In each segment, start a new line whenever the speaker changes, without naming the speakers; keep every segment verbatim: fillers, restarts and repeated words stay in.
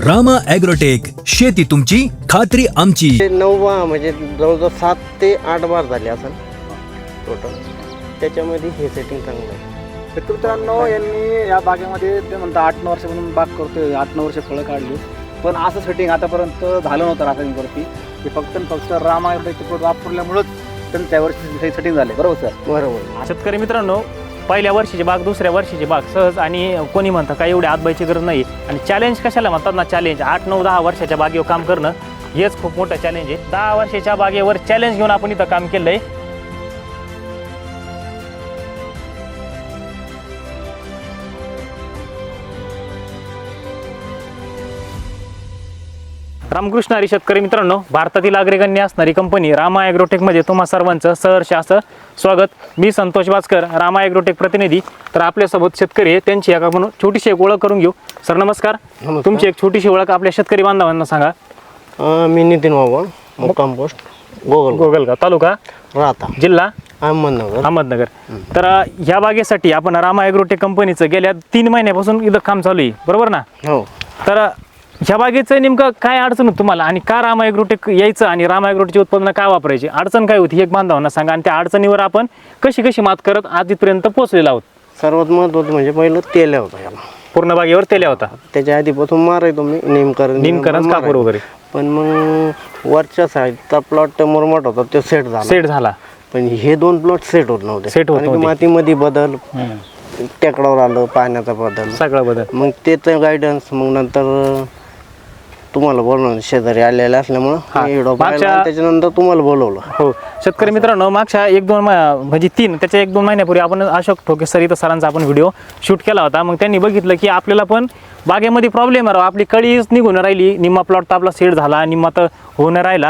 Rama agrotech, शेती तुमची खात्री आमची.
नववा म्हणजे जवळजवळ सात ते आठ बार झाले असं टोटल. त्याच्यामध्ये हे सेटिंग चांगलं आहे.
शेतकरी मित्रांनो, यांनी या बागेमध्ये ते म्हणतात आठ नऊ वर्षापासून बाग करतोय, आठ नऊ वर्ष फळं काढली, पण असं सेटिंग आतापर्यंत झालं नव्हतं रासायनिकवरती. हे फक्त फक्त रामा ॲग्रोटेकचे प्रोडक्ट वापरल्यामुळेच त्यांनी त्या वर्षी सेटिंग झाले. बरोबर सर?
बरोबर.
शेतकरी मित्रांनो, पहिल्या वर्षीची बाग दुसऱ्या वर्षीची बाग सहज, आणि कोणी म्हणतं काय एवढी आतबाईची गरज नाही. आणि चॅलेंज कशाला म्हणतात ना, चॅलेंज आठ नऊ दहा वर्षाच्या बागेवर काम करणं हेच खूप मोठं चॅलेंज आहे. दहा वर्षाच्या बागेवर चॅलेंज घेऊन आपण इथं काम केलंय. रामकृष्ण हरी शेतकरी मित्रांनो, भारतातील अग्रगण्य असणारी कंपनी रामा ॲग्रोटेकमध्ये तुम्हा सर्वांचं सहर्ष असं स्वागत. मी संतोष वासकर, रामा ॲग्रोटेक प्रतिनिधी. तर आपल्यासोबत शेतकरी आहे, त्यांची एक आपण छोटीशी एक ओळख करून घेऊ. सर नमस्कार. तुमची एक छोटीशी ओळख आपल्या शेतकरी बांधवांना सांगा.
अं, मी नितीन बाबा, मुक्काम पोस्ट गोगल
गोगलगाव, तालुका
राहता,
जिल्हा
अहमदनगर
अहमदनगर. तर ह्या बागेसाठी आपण रामा ॲग्रोटेक कंपनीचं गेल्या तीन महिन्यापासून इथं काम चालू आहे, बरोबर ना?
हो.
तर ह्या बागेचं नेमकं काय अडचण होती तुम्हाला, आणि का रामा ॲग्रोटेक यायचं आणि रामा ॲग्रोटेकची उत्पादनं काय वापरायची, अडचण काय होती, एक बांधवांना सांगा. आणि त्या अडचणीवर आपण कशी कशी मात करत आजपर्यंत पोहोचलेलो आहोत.
सर्वात महत्वाचं म्हणजे पहिलं तेल होतं याला,
पूर्ण बागेवर तेल्या होता.
त्याच्या आधीपासून मारायचो मी नेमकरण
निमकरण कापूर वगैरे.
पण मग वरच्या साईडचा प्लॉट मुरमाट होता, तो सेट झाला
सेट झाला.
पण हे दोन प्लॉट सेट होत नव्हते.
सेट होत
कारण की
नव्हते.
मातीमध्ये बदल, टेकडावर आलं पाण्याचा बदल,
सगळं बदल.
मग त्याचं गायडन्स, मग नंतर तुम्हाला बोलवलं, शेजारी आलेलं असल्यामुळं मी व्हिडिओ पाहिला आणि त्याच्यानंतर तुम्हाला बोलवलं.
हो शेतकरी मित्रांनो, मागच्या एक दोन मा- म्हणजे तीन त्याच्या एक दोन महिन्यापूर्वी आपण अशोक ठोके सर इथं सरांचा आपण व्हिडिओ शूट केला होता. मग त्यांनी बघितलं की आपल्याला पण बागेमध्ये प्रॉब्लेम आहे, आपली कळीच निघून राहिली, निम्मा प्लॉट तर आपला सेट झाला, निम्मा तर होऊन राहिला.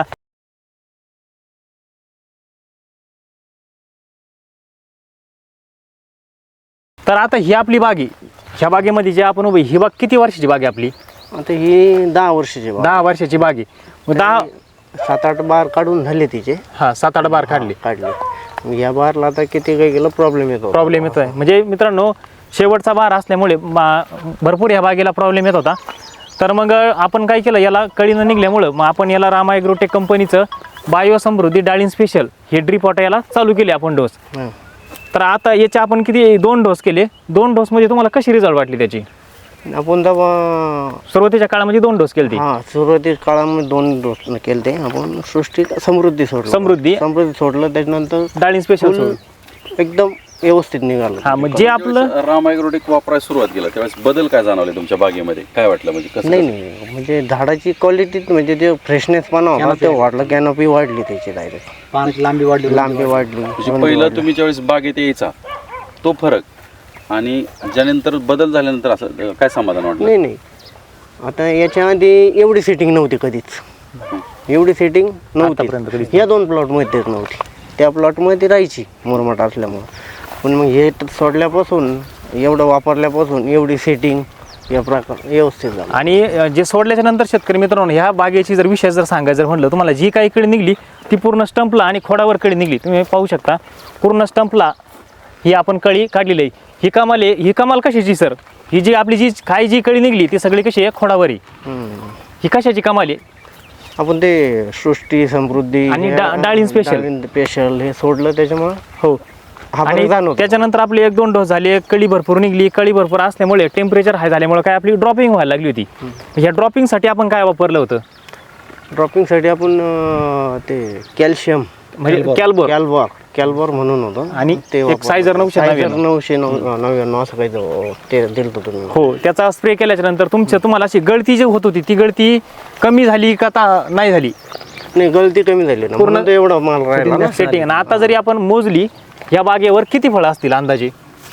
तर आता ही आपली बाग आहे, ह्या बागेमध्ये जे आपण उभी, ही बाग किती वर्षाची बाग आहे आपली?
आता ही दहा वर्षाची बाग.
दहा वर्षाची बाग आहे. मग दहा
सात आठ बार काढून झाले तिचे.
हा सात आठ बार काढली.
काढले. मग या बारला आता किती काही गेलं प्रॉब्लेम येतो.
प्रॉब्लेम येतोय म्हणजे मित्रांनो, शेवटचा बार असल्यामुळे मा- भरपूर या बागेला प्रॉब्लेम येत होता. तर मग आपण काय केलं, याला कळी न निघल्यामुळं मग आपण याला रामा ॲग्रोटेक कंपनीचं बायो समृद्धी डाळिंब स्पेशल हे ड्रीप वॉटर याला चालू केले आपण डोस.
हं.
तर आता याचे आपण किती दोन डोस केले. दोन डोस मध्ये तुम्हाला कशी रिझल्ट वाटली त्याची?
आपण जेव्हा
सुरुवातीच्या काळामध्ये दोन डोस केले.
हा सुरुवातीच्या काळामध्ये दोन डोस केले ते आपण. सृष्टी समृद्धी सोडलं.
समृद्धी
समृद्धी सोडलं, त्याच्यानंतर
डाळिंब स्पेशल
फुल एकदम व्यवस्थित निघालं.
हा मग जे आपलं
रामा ॲग्रोटेक वापरायला सुरुवात केला त्यावेळेस बदल काय जाणवले तुमच्या बागेमध्ये, काय वाटलं, म्हणजे कसं?
नाही नाही म्हणजे झाडाची क्वालिटी म्हणजे ते फ्रेशनेस पण होता ते वाढलं, कॅनोपी वाढली त्याची, डायरेक्ट
पाण्याची लांबी वाढली,
लांबी वाढली.
म्हणजे पहिलं तुम्ही ज्यावेळेस बागेत यायचा तो फरक आणि ज्यानंतर बदल झाल्यानंतर असं काय समाधान वाटलं?
नाही नाही आता याच्या आधी एवढी सेटिंग नव्हती कधीच, एवढी सेटिंग
आतापर्यंत कधीच
नव्हती. या दोन प्लॉटमध्येच नव्हती, त्या प्लॉटमध्ये राहायची मुरमाट असल्यामुळं. पण मग हे सोडल्यापासून, एवढं वापरल्यापासून एवढी सेटिंग या प्रकार व्यवस्थित झालं.
आणि अ, जे सोडल्याच्या नंतर शेतकरी मित्रांनो, ह्या बागेची जर विषय जर सांगायचं जर म्हटलं तुम्हाला, जी काही कळी निघली ती पूर्ण स्टंपला आणि खोडावर कळी निघली. तुम्ही पाहू शकता पूर्ण स्टंपला ही आपण कळी काढलेली आहे. ही कमाल आहे. ही कमाल कशाची सर? ही जी आपली जी काही जी कळी निघली ती सगळी कशी आहे, खोडावरी.
हम्म.
ही कशाची कमाल आहे?
आपण ते सृष्टी समृद्धी
आणि डा- डाळिंब स्पेशल.
स्पेशल हे सोडलं त्याच्यामुळं
हो.
हा
आणि
फरक जाणवतो.
त्याच्यानंतर आपले एक दोन डोस झाले, कळी भरपूर निघली. कळी भरपूर असल्यामुळे टेम्परेचर हाय झाल्यामुळे काय आपली ड्रॉपिंग व्हायला लागली होती. ह्या ड्रॉपिंगसाठी आपण काय वापरलं होतं?
ड्रॉपिंगसाठी आपण अं, ते कॅल्शियम
म्हणजे कॅल्बोर
कॅल्बॉर कॅल्बॉर म्हणून होतं.
आणि
ते
एक
वापरलं.
सायझर नऊशे
सायझर
नव्याण्णव.
नऊशे नऊ नव्याण्णव असं काही तो- ते दिलं होतं तुम्ही.
हो, त्याचा स्प्रे केल्याच्या नंतर तुमच्या तुम्हाला अशी गळती जी होत होती ती गळती कमी झाली का ता- नाही झाली?
नाही गळती कमी झाली ना,
पूर्ण
पूर्ण एवढा माल राहिला ना.
सेटिंग. आणि आता जरी आपण मोजली या बागेवर किती फळं असतील अंदाजे?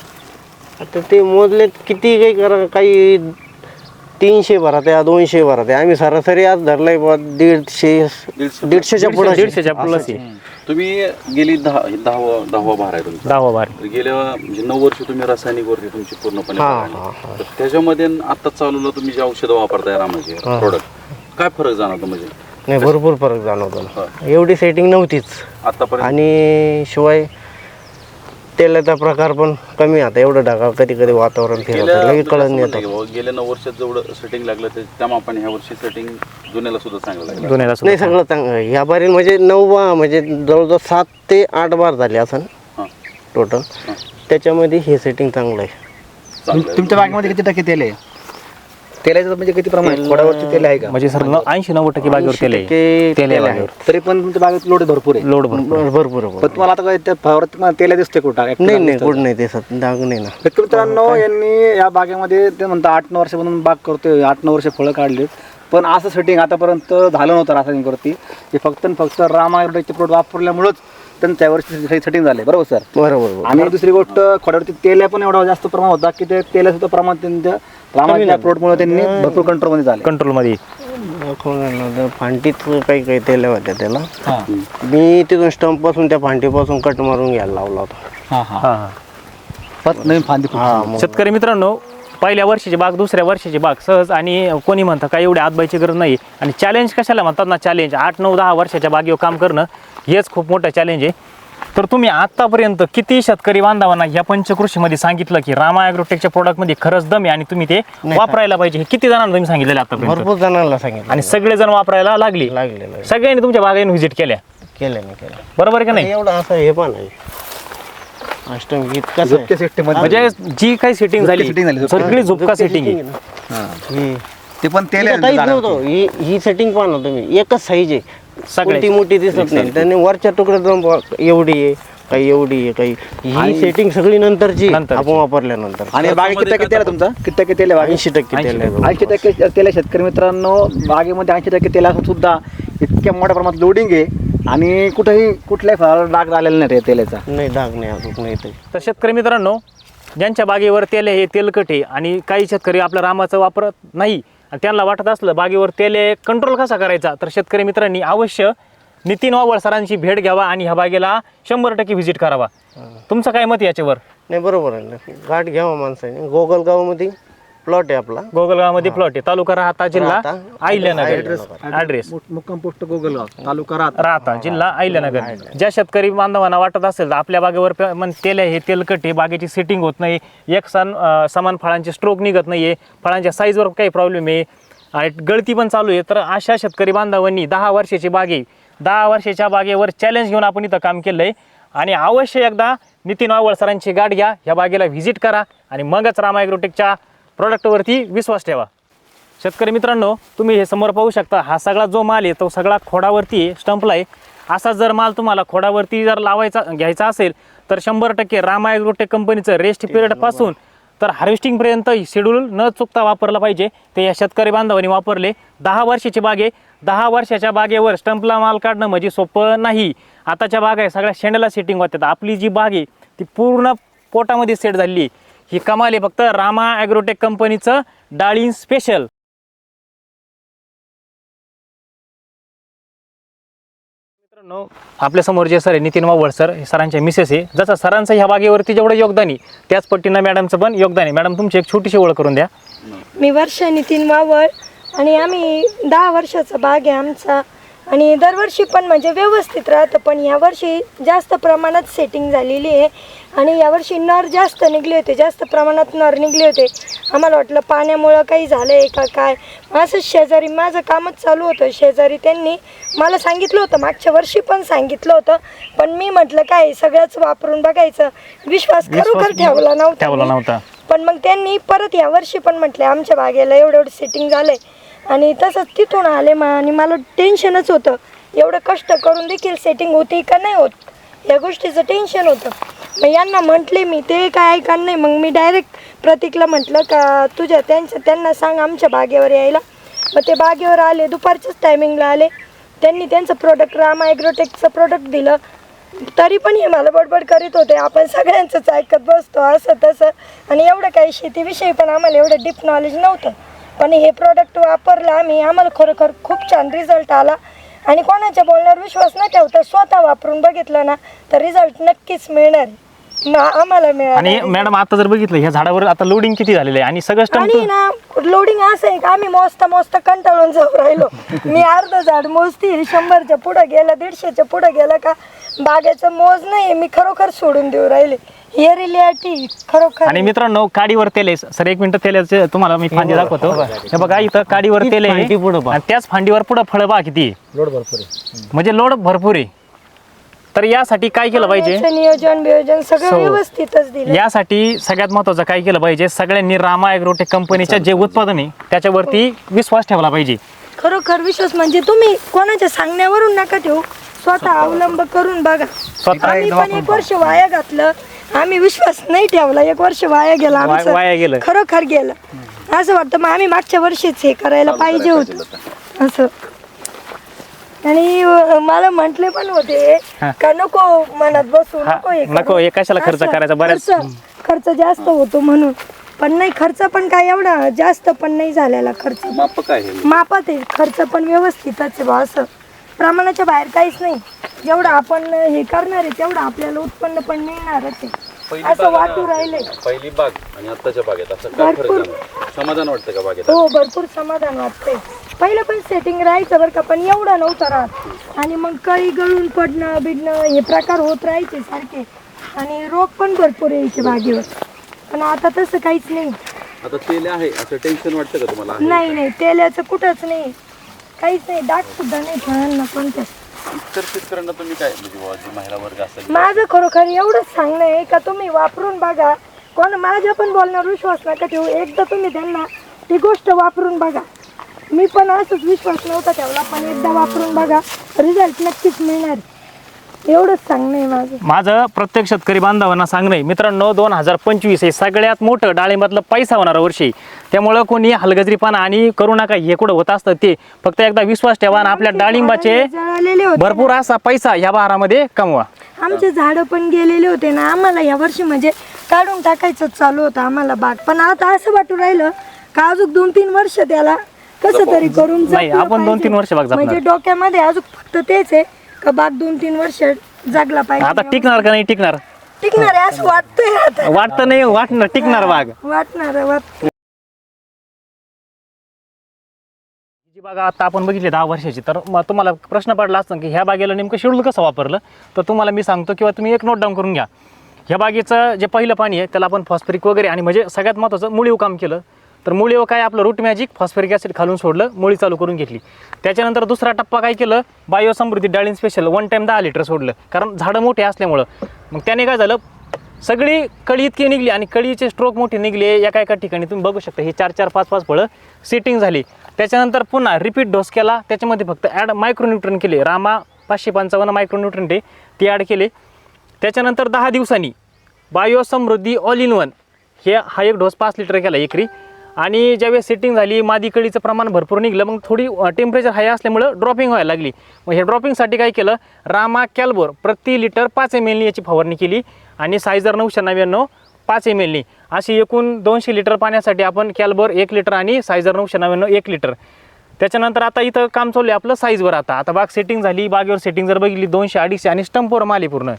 आता ते मोजले किती काही करा, काही तीनशे भरात आहे, दोनशे भरात आहे. आम्ही सरासरी आज धरलाय बुवा दीडशे दीडशेच्या पुढे.
दीडशेच्या प्लस आहे.
तुम्ही गेली दहा दहावा दहावा भार आहे तुमचा.
दहावा बार.
तर गेल्या म्हणजे नऊ वर्ष तुम्ही रासायनिक वरती तुमची पूर्णपणे
हा,
बाग
हा,
आहे. तर त्याच्यामध्ये आता चालूला तुम्ही जे औषधं वापरताय रामाचे प्रोडक्ट, काय फरक जाणवतो म्हणजे?
नाही भरपूर फरक जाणवतो ना. एवढी सेटिंग नव्हतीच.
आतापर्यंत
आणि शिवाय तेलाचा प्रकार पण कमी आता एवढं ढगाळ कधी कधी वातावरण फिरत
गेल्या
लगेच कळत नाही
म्हणजे
येतं.
असं म्हणलं की गेल्या नऊ वर्षात जेवढं सेटिंग लागलं ते त्या मापाने ह्या वर्षी सेटिंग जुन्याला सुद्धा चांगलं लागलं.
दोन्हीला
नाही
सुद्धा.
सगळं चांगलं ह्या बारी म्हणजे नऊ बा म्हणजे जवळजवळ सात ते आठ बार झाले असं
हां
टोटल. त्याच्यामध्ये हे सेटिंग चांगलं आहे.
चांगलं आहे.
तुमच्या बागेमध्ये किती टक्के तेल आहे? तेलाचं म्हणजे किती प्रमाण खोडावरती तेल आहे का?
म्हणजे सर ऐंशी नव्वद टक्के बागेवर तेल आहे.
टक्के
तेल आहे
तेल आहे.
बागेवर.
तरी पण तुमच्या बागेत लोड भरपूर आहे.
लोड भरपूर.
भर- भरपूर
पण
भरपूर.
तुम्हाला आता काय त्या फवारात तुम्हाला तेल दिसते कुठं
नाही नाही कुठं नाही ते सत डाग नाही ना.
शेतकरी मित्रांनो यांनी या बागेमध्ये ते म्हणतात आठ नऊ वर्षापासून बाग करतोय, आठ नऊ वर्ष फळं काढलीत, पण असं सेटिंग आतापर्यंत झालं नव्हतं रासायनिकवरती. हे फक्त आणि फक्त रामायग्रोटेकचे प्रोडक्ट वापरल्यामुळेच त्यांचं त्यावरती सेटिंग झाले. बरोबर सर?
बरोबर बरोबर.
आणि दुसरी गोष्ट खोड्यावरती तेल पण एवढा जास्त प्रमाण होता की ते तेलाचं सुद्धा प्रमाण त्यांच्या रामाच्या प्रोडक्टमुळे त्यांनी भरपूर कंट्रोलमध्ये झाले.
कंट्रोलमध्ये.
दाखवणार फांटीत काही काही तेल होत्या त्याला.
हां
मी तिथून स्टंप पासून त्या फांटीपासून कट मारून घ्यायला लावला होता.
हां हां
हां हां.
परत नवीन फांदी
हा मग
शेतकरी मित्रांनो, पहिल्या वर्षाची बाग दुसऱ्या वर्षाची बाग सहज आणि कोणी म्हणतं काय एवढी आतबाईची गरज नाही. आणि चॅलेंज कशाला म्हणतात ना, चॅलेंज आठ नऊ दहा वर्षाच्या बागेवर काम करणं हेच खूप मोठं चॅलेंज आहे. तर तुम्ही आतापर्यंत किती शेतकरी बांधवांना या पंचकृषीमध्ये सांगितलं की रामा ॲग्रोटेकच्या प्रोडक्टमध्ये खरंच दम आहे आणि तुम्ही ते वापरायला पाहिजे, हे किती जणांना तुम्ही सांगितलेलं आतापर्यंत?
भरपूर जणांना सांगितलं
आणि सगळेजण वापरायला लागली.
लागलेलं
सगळ्यांनी तुमच्या बागेने व्हिजिट केल्या,
केलं नाही केलं
बरोबर आहे का नाही?
एवढं असं हे पण आहे अष्टम गीत कसं
झुपक्या सिस्टीम
म्हणजे जी काही सेटिंग झाली
setting झाली, झुपक्या
सगळी झुपका सेटिंग आहे.
ही
ते पण तेल आहे
काहीच
झाडावरती.
नव्हतं. ही ही सेटिंग पाहा ना तुम्ही, एकच साईज आहे,
सगळ्याची.
कोणती मोठी दिसत नाही. त्याने वरच्या तुकड्यात जाऊन बघा, एवढी आहे काही एवढी आहे काही. ही सेटिंग सगळी नंतरची
नंतरची.
आपण वापरल्यानंतर.
आणि बागे किती टक्के तेल आहे तुमचा? किती टक्के तेल आहे बागे?
ऐंशी टक्के तेल आहे.
ऐंशी टक्के तेल आहे. शेतकरी मित्रांनो, बागेमध्ये ऐंशी टक्के तेल असून सुद्धा इतक्या मोठ्या प्रमाणात लोडिंग आहे आणि कुठेही कुठल्याही फळाला डाग आलेला नाही त्या तेलाचा.
नाही डाग नाही अजून नाही ते.
तर शेतकरी मित्रांनो, ज्यांच्या बागेवर तेल आहे हे तेलकट आहे आणि काही शेतकरी आपल्या रामाचं वापरत नाही आणि त्यांना वाटत असलं बागेवर तेल आहे कंट्रोल कसा करायचा, तर शेतकरी मित्रांनी अवश्य नितीन वावळ सरांची भेट घ्यावा आणि ह्या बागेला शंभर टक्के व्हिजिट करावा. तुमचं काय मत याच्यावर?
नाही बरोबर आहे ना. गाठ घ्यावा माणसाने. गोगलगावमध्ये प्लॉट आहे आपला.
गोगलगावमध्ये प्लॉट आहे, तालुका राहता, जिल्हा
राहता.
अहिल्यानगर. ॲड्रेस
मुक्काम पोस्ट गोगलगाव, तालुका राहत.
राहता, जिल्हा अहिल्यानगर. ज्या शेतकरी बांधवांना वाटत असेल तर आपल्या बागेवर प- मन तेल आहे हे तेलकट आहे, बागेची सेटिंग होत नाही, एक सण अं, समान फळांचे स्ट्रोक निघत नाही आहे, फळांच्या साईजवर काही प्रॉब्लेम आहे आणि गळती पण चालू आहे, तर अशा शेतकरी बांधवांनी दहा वर्षाची बागे दहा वर्षाच्या बागेवर चॅलेंज घेऊन आपण इथं काम केलं आहे आणि अवश्य एकदा नितीन वावळ सरांची गाठ घ्या, ह्या बागेला व्हिजिट करा आणि मगच रामा ॲग्रोटेकच्या प्रोडक्टवरती विश्वास ठेवा. शेतकरी मित्रांनो, तुम्ही हे समोर पाहू शकता, हा सगळा जो माल आहे तो सगळा खोडावरती आहे, स्टंपला आहे. असा जर माल तुम्हाला खोडावरती जर लावायचा घ्यायचा असेल तर शंभर टक्के रामा ॲग्रोटेक कंपनीचं रेस्ट पिरियडपासून तर हार्वेस्टिंगपर्यंत शेड्यूल न चुकता वापरलं पाहिजे. ते या शेतकरी बांधवांनी वापरले. दहा वर्षाची बागे दहा वर्षाच्या बागेवर स्टंपला माल काढणं म्हणजे सोपं नाही. आताच्या बाग आहे सगळ्या शेंड्याला सेटिंग होतात. आपली जी बाग आहे ती पूर्ण पोटामध्ये सेट झाली आहे. ही कमाल आहे फक्त रामा ॲग्रोटेक कंपनीचं डाळिंब स्पेशल. मित्रांनो, आपल्या समोर जे सर आहे नितीन वावळ सर, हे सरांच्या मिसेस आहे. जसं सरांचं ह्या बागेवरती जेवढं योगदान आहे त्याच पट्टीनं मॅडमचं पण योगदान आहे. मॅडम, तुमची एक छोटीशी ओळख करून द्या.
मी वर्षा नितीन वावळ आणि आम्ही दहा वर्षाचा बाग आहे आमचा आणि दरवर्षी पण म्हणजे व्यवस्थित राहतं, पण यावर्षी जास्त प्रमाणात सेटिंग झालेली आहे आणि यावर्षी नर जास्त निघले होते, जास्त प्रमाणात नर निघले होते. आम्हाला वाटलं पाण्यामुळं काही झालं आहे का काय. असं शेजारी माझं कामच चालू होतं, शेजारी त्यांनी मला सांगितलं होतं, मागच्या वर्षी पण सांगितलं होतं, पण मी म्हटलं काय सगळंच वापरून बघायचं, विश्वास खरोखर ठेवला नव्हता
ठेवला
मी.
नव्हता.
पण मग त्यांनी परत यावर्षी पण म्हटले आमच्या बागेला एवढं एवढं सेटिंग झालंय आणि तसंच तिथून आले मा आणि मला टेन्शनच होतं, एवढं कष्ट करून देखील सेटिंग होती का नाही होत या गोष्टीचं टेन्शन होतं. मग यांना म्हटले मी, ते काय ऐका नाही. मग मी डायरेक्ट प्रतीकला म्हटलं का तुझ्या त्यांच्या त्यांना सांग आमच्या बागेवर यायला. मग ते बागेवर आले, दुपारच्याच टायमिंगला आले. त्यांनी त्यांचं प्रोडक्ट रामा ॲग्रोटेकचं प्रोडक्ट दिलं. तरी पण हे मला बडबड करीत होते, आपण सगळ्यांचंच ऐकत बसतो असं तसं, आणि एवढं काही शेतीविषयी पण आम्हाला एवढं डीप नॉलेज नव्हतं. पण हे प्रोडक्ट वापरलं आम्ही, आम्हाला खरोखर खूप छान रिझल्ट आला आणि कोणाच्या बोलण्यावर विश्वास न ठेवता स्वतः वापरून बघितलं ना तर रिझल्ट नक्कीच मिळणार म- आम्हाला मिळाला.
आणि मॅडम, आता जर बघितलं ह्या झाडावर आता लोडिंग किती झालेलं आहे आणि सगळं
आणि
स्टंप
ना लोडिंग असं आहे का आम्ही मोजता मोजता कंटाळून जाऊ राहिलो. मी अर्ध झाड मोजती, शंभरच्या पुढं गेलं, दीडशेच्या पुढं गेलं का बागेचं मोज नाही मी खरोखर सोडून देऊ राहिले. हे रिलेटी खरोखर
आणि मित्रांनो काडीवर तेल आहे सर, एक मिनिट तेलाचे तुम्हाला मी फांदी दाखवतो. हे बघा इथं काडीवर तेल आहे
फांदी पुढं पहा.
आणि त्याच फांदीवर पुढं फळं बघा किती आहे.
लोड भरपूर आहे.
म्हणजे लोड भरपूर आहे. तर यासाठी काय केलं पाहिजे,
पाण्याचं नियोजन बियोजन सगळं
So,
व्यवस्थितच दिलं.
यासाठी सगळ्यात महत्वाचं काय केलं पाहिजे, सगळ्यांनी रामा ॲग्रोटेक कंपनीच्या जे उत्पादन आहे त्याच्यावरती विश्वास ठेवला पाहिजे.
खरोखर विश्वास म्हणजे तुम्ही कोणाच्या सांगण्यावरून नका ठेवू, स्वतः अवलंब करून बघा. आम्ही पण एक वर्ष वाया घातलं, आम्ही विश्वास नाही ठेवला, एक वर्ष वाया गेला
वाया- वाया गेलं.
आमचं, खरोखर गेलं. असं वाटतं मग आम्ही मागच्या वर्षीच हे करायला पाहिजे होतं असं. आणि अं, मला म्हटले पण होते का नको मनात बसू,
हा,
नको हे
नको,
करू.
हे कशाला खर्च
असं,
करायचा, बऱ्याच-
खर्च खर्च जास्त होतो म्हणून. पण नाही, खर्च पण काय एवढा जास्त पण नाही झालेला खर्च,
माप काय आहे?
मापात आहे खर्च पण व्यवस्थितच आहे बा, असं प्रमाणाच्या बाहेर काहीच नाही. जेवढं आपण हे करणार आहे तेवढं आपल्याला उत्पन्न पण मिळणारच आहे,
पहिली
असं
बाग
वाटू राहिले.
पहिली बाग आणि आत्ताच्या बागेत असं काय फरक
भरपूर.
झाला? समाधान वाटतं का बागेत?
हो, भरपूर समाधान वाटतंय. पहिलं पण सेटिंग राहायचं बरं का, पण एवढं नव्हतं राहत. आणि मग कळी गळून पडणं बिडणं हे प्रकार होत राहायचे सारखे, आणि रोग पण भरपूर यायचे बागेवर. पण आता तसं काहीच नाही.
आता तेल आहे असं टेन्शन वाटतं का तुम्हाला? आहे.
नाही नाही, तेलाचं कुठंच नाही, काहीच नाही, डाग सुद्धा नाही फळांना कोणत्या.
इतर शेतकऱ्यांना तुम्ही काय म्हणजे बुवा, जी महिला वर्ग असेल
माझं खरोखर एवढंच सांगणं आहे का तुम्ही वापरून बघा. कोण माझ्या पण बोलण्यावर विश्वास नका ठेवू, एकदा तुम्ही त्यांना ती गोष्ट वापरून बघा. मी पण असंच विश्वास नव्हता ठेवला, पण एकदा वापरून बघा, रिझल्ट नक्कीच मिळणार. एवढंच सांगणं आहे माझं.
माझं प्रत्येक शेतकरी बांधवांना सांगणं आहे मित्रांनो, दोन हजार पंचवीस हे सगळ्यात मोठं डाळिंबातलं पैसा होणारं वर्षी. त्यामुळं कोणी हलगजरीपणा आणि करू नका, हे कुठं होत असतं ते फक्त एकदा विश्वास ठेवा आणि आपल्या डाळिंबाचे
जळालेले होते
भरपूर असा पैसा या बहारामध्ये कमवा.
आमचे झाडं पण गेलेले होते ना, आम्हाला या वर्षी म्हणजे काढून टाकायचं चालू होतं आम्हाला बाग. पण आता असं वाटू राहिलं का अजून दोन तीन वर्ष त्याला कसं तरी करून
नाही,
जपलं
आपण दोन
पाहिजे.
तीन वर्ष बाग जपणार.
म्हणजे डोक्यामध्ये अजून फक्त तेच आहे का बाग दोन तीन वर्ष जगला पाहिजे.
आता टिकणार का नाही टिकणार
टिकणार आहे असं वाटतंय आता.
वाटतं नाही, वाटणार टिकणार बाग.
वाटणार आहे, वाट
जी बाग आता आपण बघितली दहा वर्षाची, तर मग तुम्हाला प्रश्न पडला असता की ह्या बागेला नेमकं शेड्यूल कसं वापरलं, तर तुम्हाला मी सांगतो किंवा तुम्ही एक नोट डाऊन करून घ्या. ह्या बागेचं जे पहिलं पाणी आहे त्याला आपण फॉस्फरिक वगैरे आणि म्हणजे सगळ्यात महत्त्वाचं मुळीव काम केलं. तर मुळीव काय आपलं रूट मॅजिक फॉस्फरिक ॲसिड खालून सोडलं, मुळी चालू करून घेतली. त्याच्यानंतर दुसरा टप्पा काय केलं, बायो समृद्धी डाळिंब स्पेशल वन टाईम दहा लिटर सोडलं, कारण झाडं मोठे असल्यामुळं. मग त्याने काय झालं, सगळी कळी इतकी निघली आणि कळीचे स्ट्रोक मोठे निघले एका एका ठिकाणी. तुम्ही बघू शकता हे चार चार पाच पाच फळं सेटिंग झाली. त्याच्यानंतर पुन्हा रिपीट डोस केला, त्याच्यामध्ये फक्त ॲड मायक्रोन्यूट्रन केले, रामा पाचशे पंचावन्न मायक्रोन्यूट्रन ते ते ॲड केले. त्याच्यानंतर दहा दिवसांनी bio Samruddhi all in one हे हा एक डोस पाच लिटर केला एकरी. आणि ज्यावेळेस सेटिंग झाली, मादी कळीचं प्रमाण भरपूर निघलं, मग थोडी टेम्परेचर हाय असल्यामुळं ड्रॉपिंग व्हायला लागली. मग हे ड्रॉपिंगसाठी काय केलं, रामा कॅल्बोर प्रति लिटर पाच एम एलनी याची फवारणी केली आणि सायझर नऊशे नव्याण्णव पाच एम एलनी अशी एकूण दोनशे लिटर पाण्यासाठी आपण कॅल्बोर एक लिटर आणि सायझर नऊशे नव्याण्णव एक लिटर. त्याच्यानंतर आता इथं काम चालू आहे आपलं साईजवर. आता आता बाग सेटिंग झाली, बागेवर सेटिंग जर बघितली दोनशे अडीचशे आणि स्टंपवर माली पूर्ण.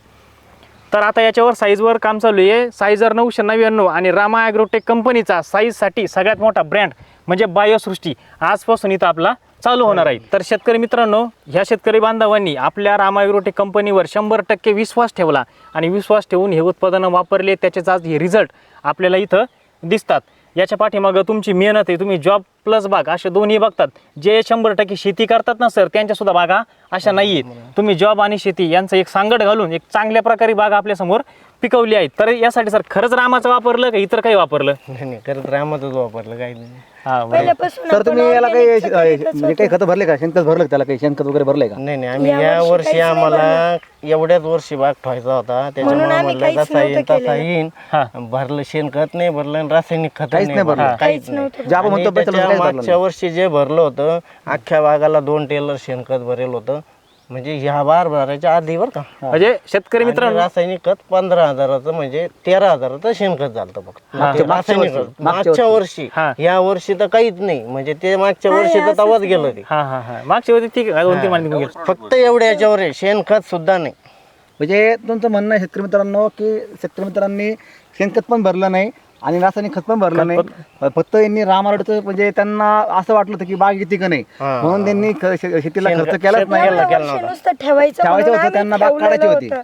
तर आता याच्यावर साईजवर काम चालू आहे. सायझर नऊशे नव्याण्णव आणि रामा ॲग्रोटेक कंपनीचा साईजसाठी सगळ्यात मोठा ब्रँड म्हणजे बायोसृष्टी आजपासून इथं आपला चालू होणार आहे. तर शेतकरी मित्रांनो, ह्या शेतकरी बांधवांनी आपल्या रामा ॲग्रोटेक कंपनीवर शंभर टक्के विश्वास ठेवला आणि विश्वास ठेवून हे उत्पादनं वापरले, त्याचेच आज हे रिझल्ट आपल्याला इथं दिसतात. याच्या पाठीमागं तुमची मेहनत आहे. तुम्ही जॉब प्लस बाग असे दोन्ही बघतात. जे शंभर टक्के शेती करतात ना सर, त्यांच्यासुद्धा बागा अशा नाही आहेत. तुम्ही जॉब आणि शेती यांचं एक सांगड घालून एक चांगल्या प्रकारे बागा आपल्यासमोर पिकवली आहेत. तर यासाठी सर खरंच रामाचं वापरलं का इतर काही वापरलं?
नाही नाही, करत रामातच वापरलं काही नाही.
हा बरोबर.
पहिल्यापासून
तर
आपण
तुम्ही याला काही
organic चं करीतच
म्हणजे काही खतं भरले का, शेणखत भरलं का त्याला, काही शेणखत वगैरे भरलंय का?
नाही नाही, आम्ही
या
या
वर्षी
वर्षी
काहीच नाही
आम्हाला एवढ्याच वर्षी बाग ठेवायचा होता, त्याच्यामुळे
आम्ही
म्हणलं
काहीच
जसा येईन
नव्हतं
तसा
केलेलं.
येईन.
हा.
भरलं शेणखत नाही भरलं आणि रासायनिक खत
काहीच नाही भरलं.
काहीच
काहीच
नाही.
नव्हतं.
जे आपण
आणि
म्हणतो पैसा
त्याच्या
काहीच भरलं
मागच्या वर्षी जे भरलं होतं अख्ख्या बागाला दोन टेलर शेणखत भरेल होतं, म्हणजे ह्या बार भरायच्या आधी बरं का.
म्हणजे शेतकरी
आणि
मित्रांनो,
रासायनिक खत पंधरा हजाराचं म्हणजे तेरा हजाराचं शेणखत झालं फक्त.
हा.
ते रासायनिक खत मागच्या वर्षी,
हा.
या वर्षी तर काहीच नाही. म्हणजे ते मागच्या वर्षी तर तवाच गेलं ते.
हा हा हा मागच्या वेळी ठीक आहे, दोन तीन महिने निघून गेले.
फक्त एवढ्या याच्यावर आहे, शेणखत सुद्धा नाही.
म्हणजे तुमचं म्हणणं आहे शेतकरी मित्रांनो की शेतकरी मित्रांनी शेणखत पण भरलं नाही आणि रासायनिक खत पण भरलं नाही, फक्त यांनी रामारोडचं म्हणजे त्यांना असं वाटलं होतं की बाग येते का नाही,
हा.
म्हणून त्यांनी ख- शे- शेतीला
शेण-
खर्च केलाच
शेत-
नाही.
केलं-
एवढं
केलं
वर्ष
नव्हतं.
नुसतं ठेवायचं
ठेवायचं
म्हणून
होतं,
आम्ही
त्यांना बाग
ठेवलेलं
काढायची होती.
होतं.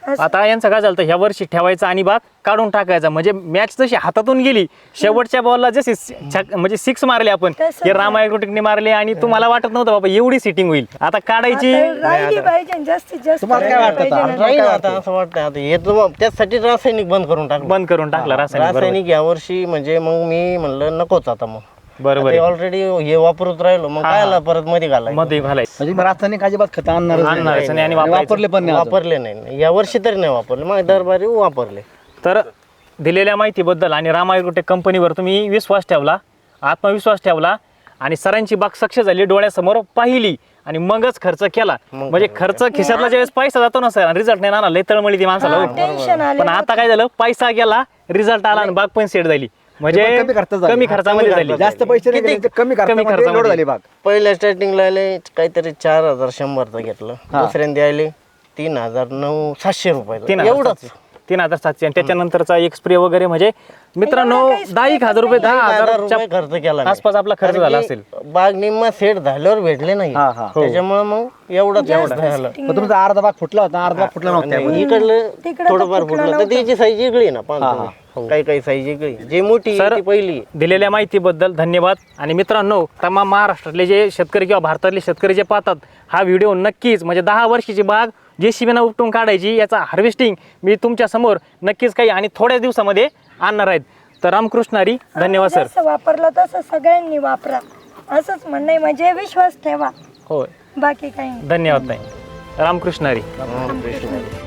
आता यांचं काय झालं ह्या वर्षी ठेवायचं आणि बाग काढून टाकायचा, म्हणजे मॅच जशी हातातून गेली शेवटच्या बॉलला जशी छक- म्हणजे सिक्स मारले आपण
तसं
हे रामा ॲग्रोटेकने मारले आणि तुम्हाला वाटत नव्हतं बाबा एवढी सिटिंग होईल. आता काढायची
आता राहिली पाहिजे जास्तीत जास्त
तुम्हाला काय वाटतं
पाहिजे
आता?
ना.
राहील आता असं वाटतं आता हे तर त्यासाठी रासायनिक बंद करून टाकलं.
बंद करून टाकला रासायनिक. बरोबर.
रासायनिक यावर्षी म्हणजे मग मी म्हणलं नकोच आता मग
बरोबर आहे.
ऑलरेडी हे वापरत राहिलो मग काय आला परत मध्ये घालायचं.
मध्ये घालायचं
म्हणजे रासायनिक अजिबात खत आणणारच नाही.
आणणारच नाही आणि
आणि
वापरायचं.
वापरले पण नाही अजून.
वापरले नाही या वर्षी तरी नाही वापरले मग दरबारी वापरले.
तर दिलेल्या माहितीबद्दल आणि रामा ॲग्रोटेक कंपनीवर तुम्ही विश्वास ठेवला, आत्मविश्वास ठेवला आणि सरांची बाग सक्सेस झाली, डोळ्यासमोर पाहिली आणि मगच खर्च केला. म्हणजे खर्च खिशातला ज्यावेळेस पैसा जातो ना सर, रिझल्ट नाही ना, लय तळमळी ती माणसाला हो.
टेन्शन आले
पण आता काय झालं, पैसा गेला, रिझल्ट आला आणि बाग पण सेट झाली. म्हणजे
ते पण कमी खर्चात झाली.
कमी खर्चामध्ये झाली.
जास्त पैसे नाही गेले, ते कमी खर्चामध्ये
खर्चामध्ये.
लोड झाली बाग.
पहिल्या स्टार्टिंगला आले काहीतरी चार हजार शंभरचं घेतलं. दुसऱ्यांदा आले तीन हजार नऊ सातशे
तीन
रुपये
हजार
एवढंच.
सातशे. तीन हजार सातशे आणि त्याच्यानंतरचा एक स्प्रे वगैरे म्हणजे मित्रांनो
एवढं काही
दहा एक हजार रुपये दहा
हजार
हजारच्या
रुपये खर्च केला नाही.
आसपास आपला खर्च
कारण
झाला
की
असेल.
बाग निम्मा सेट झाल्यावर भेटले नाही
हा, हा.
त्याच्यामुळे मग एवढंच एवढं झालं.
मग तुमचा अर्धा बाग फुटला होता, अर्धा बाग फुटला नव्हता.
नाही, इकडलं
तिकडं
थोडंफार
तर फुटलं
फुटलं तर त्याची साईज वेगळी आहे ना पाहतो तुम्ही. काही काही साईज वेगळी जे मोठी आहे
सर,
ती पहिली.
दिलेल्या माहितीबद्दल धन्यवाद. आणि मित्रांनो, तमाम महाराष्ट्रातले जे शेतकरी किंवा भारतातले शेतकरी जे पाहतात हा व्हिडिओ, नक्कीच म्हणजे दहा वर्षाची बाग जे शिबिना उपटून काढायची याचा हार्वेस्टिंग मी तुमच्या समोर नक्कीच काही आणि थोड्याच दिवसामध्ये आणणार आहेत. तर रामकृष्ण हरी, धन्यवाद सर.
जसं वापरलं तसं सगळ्यांनी वापरा असंच म्हणणं आहे. म्हणजे विश्वास ठेवा,
होय,
बाकी काही नाही.
धन्यवाद ताई. रामकृष्ण हरी.
हा, कृष्ण.